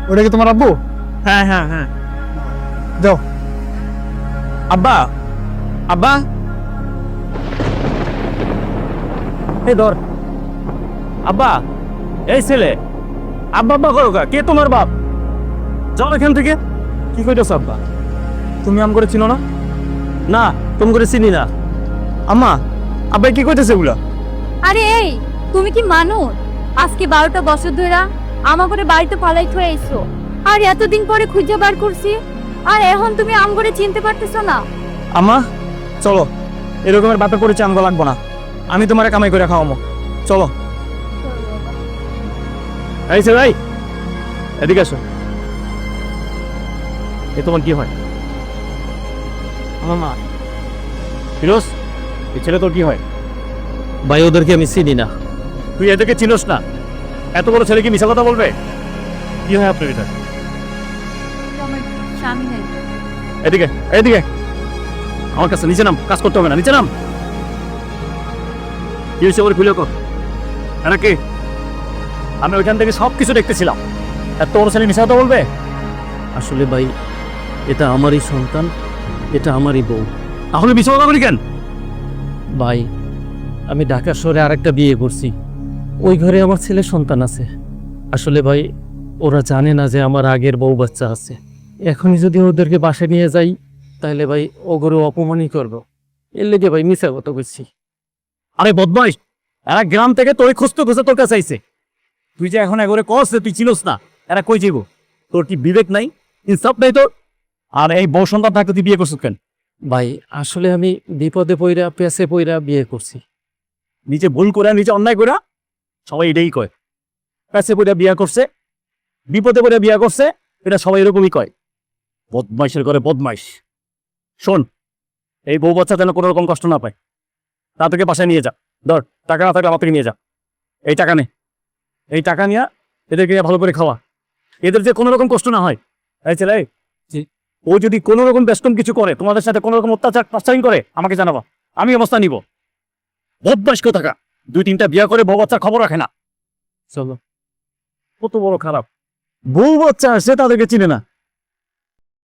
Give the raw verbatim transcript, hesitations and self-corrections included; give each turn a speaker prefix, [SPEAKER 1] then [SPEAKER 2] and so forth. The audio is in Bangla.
[SPEAKER 1] ওটা কি তোমার আব্বু?
[SPEAKER 2] হ্যাঁ হ্যাঁ হ্যাঁ।
[SPEAKER 1] যাও।
[SPEAKER 2] আব্বা, আব্বা, এই ধর। আব্বা, এই ছেলে আব্বা আব্বা করো কা? কে তোমার বাপ? যাও এখান থেকে। কি কইতেছ আব্বা? তুমি আম করে চিনো না? না, তুমি করে চিনি না। আম্মা, আব্বা কি কইতেছে এগুলা?
[SPEAKER 3] আরে এই, তুমি কি মানুষ? আজকে বারোটা বছর ধরে আমা করে বাড়িতে পালাই থয়ে আইছো, আর এতদিন পরে খুঁজে বার করছি, আর এখন তুমি আম করে চিনতে পারতেছো না?
[SPEAKER 2] আম্মা, চলো। এরকমের বাপে পরিচয় আমগো লাগবো না। আমি তোমারে কামাই করে খাওয়ামো। চলো। এই ছে ভাই, এদিকে আসো। এ তোমার কি হয়? আমার মা। ফিরোজ, এই ছেলে তোর কি হয়?
[SPEAKER 4] ভাই ওদেরকে আমি চিনি না।
[SPEAKER 2] তুই এদেরকে চিনোস না? এত বড় ছেলে কি মিশা কথা বলবে? কি হয় আপনার এটা?
[SPEAKER 3] আমার স্বামী নাই।
[SPEAKER 2] এদিকে, এদিকে। আমার কাছে নিচে নাম, কাজ করতে হবে না, নিচে নাম। কি হয়েছে ওর খুলে কর। এটা কি? আমি ওইখান থেকে সব কিছু দেখতেছিলাম। এত বড় ছেলে মিশা কথা বলবে?
[SPEAKER 4] আসলে ভাই এটা আমারই সন্তান, এটা আমারই বউ।
[SPEAKER 2] তাহলে মিশা কথা বলি কেন?
[SPEAKER 4] ভাই আমি ঢাকা শহরে আরেকটা বিয়ে করছি, ওই ঘরে আমার ছেলে সন্তান আছে। আসলে ভাই ওরা জানে না যে আমার আগের বউ বাচ্চা আছে। এখনই যদি ওদেরকে বাসায় নিয়ে যাই তাহলে ভাই ও ঘরে অপমানই করবো। এর লেগে ভাই মিশা কথা বলছি।
[SPEAKER 2] আরে বদমাইশ, এরা গ্রাম থেকে তোর খুঁজতে খুঁজতে তোর কাছে আইছে। তুই যে এখন একবারে কস যে তুই চিনোস না, এরা কই যাইব? তোর কি বিবেক নাই, ইনসাফ নাই তোর? আর এই বউ সন্তান থাকতে তুই বিয়ে করছিস কেন?
[SPEAKER 4] ভাই আসলে আমি বিপদে পইরা পেছে পইরা বিয়ে করছি।
[SPEAKER 2] নিজে ভুল করে নিজে অন্যায় করে সবাই এটাই কয়, কাছে পড়ে বিয়া করছে, বিপদে পড়ে বিয়া করছে, এটা সবাই এরকমই কয়। বদমাইশের করে বদমাইশ। শোন, এই বউ বাচ্চা যেন কোনো রকম কষ্ট না পায়, তা থেকে বাসায় নিয়ে যা। ধর, টাকা না থাকলে আমার থেকে নিয়ে যা। এই টাকা নে, এই টাকা নিয়ে এদেরকে ভালো করে খাওয়া, এদের যে কোনো রকম কষ্ট না হয়। এই ছেলে,
[SPEAKER 4] জি।
[SPEAKER 2] ও যদি কোনো রকম ব্যস্তম কিছু করে, তোমাদের সাথে কোনো রকম অত্যাচার পাচারিং করে, আমাকে জানাবা, আমি অবস্থা নিব। বদমাইশ কোথাকা, দুই তিনটা বিয়া করে বউ বাচ্চার খবর রাখে না।
[SPEAKER 4] চলো।
[SPEAKER 2] কত বড় খারাপ। বউ বাচ্চা আসছে তাদেরকে চিনে না,